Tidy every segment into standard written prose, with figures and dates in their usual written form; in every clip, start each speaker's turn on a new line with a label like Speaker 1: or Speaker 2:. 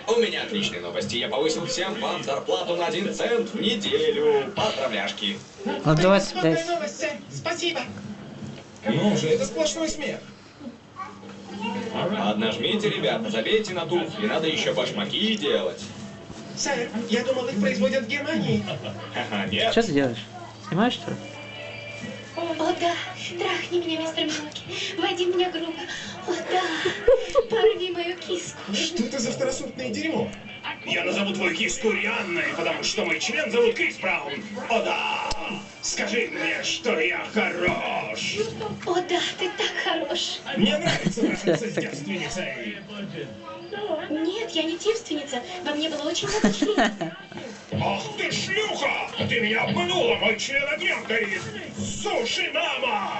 Speaker 1: У меня отличные новости. Я повысил всем вам зарплату на 1 цент в неделю. Поздравляшки.
Speaker 2: Ну, 25.
Speaker 3: Новость, сэр. Спасибо.
Speaker 4: Ну же, это сплошной смех.
Speaker 1: Ладно, жмите, ребята, забейте на туфли. Надо еще башмаки делать.
Speaker 3: Сэр, я думал, их производят в Германии.
Speaker 1: Ха-ха, нет.
Speaker 2: Что ты делаешь? Снимаешь, что ли?
Speaker 5: О, да, трахни меня, мистер Милки. Войди в меня грубо. О, да, порви мою киску.
Speaker 4: Что это за второсортное дерьмо?
Speaker 6: Я назову твою киску Рианной, потому что мой член зовут Крис Браун. О да! Скажи мне, что я хорош.
Speaker 5: О, да, ты так хорош.
Speaker 6: Мне нравится трахаться с девственницей.
Speaker 5: Нет, я не девственница. Во мне было очень много членов.
Speaker 6: Ах ты шлюха! Ты меня обманула, мой член огнем горит. Суши, мама!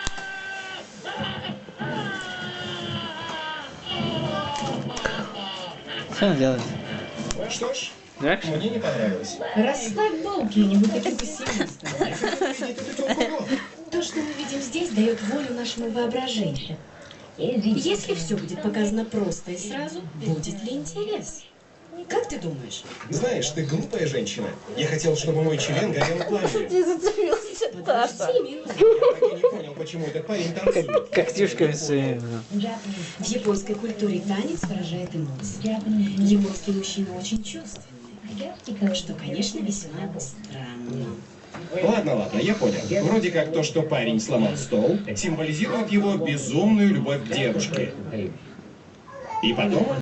Speaker 2: Что он делает?
Speaker 4: Что ж,
Speaker 2: Дракша?
Speaker 4: мне не понравилось.
Speaker 7: Расслабь булки, не будь таким пессимистом.
Speaker 4: Я хотел увидеть эту тёлку.
Speaker 7: То, что мы видим здесь, дает волю нашему воображению. Если все будет показано просто и сразу, будет ли интерес? Как ты думаешь?
Speaker 4: Знаешь, ты глупая женщина. Я хотел, чтобы мой член горел пламенем.
Speaker 8: Ты зацепился, Таша.
Speaker 7: Подожди минуту.
Speaker 4: Я так и не понял, почему этот парень танцует.
Speaker 2: Когтюшками своими.
Speaker 7: В японской культуре танец выражает эмоции. Японские мужчины очень чувственные, что, конечно, весьма странно.
Speaker 4: Ладно, я понял. Вроде как то, что парень сломал стол, символизирует его безумную любовь к девушке. И потом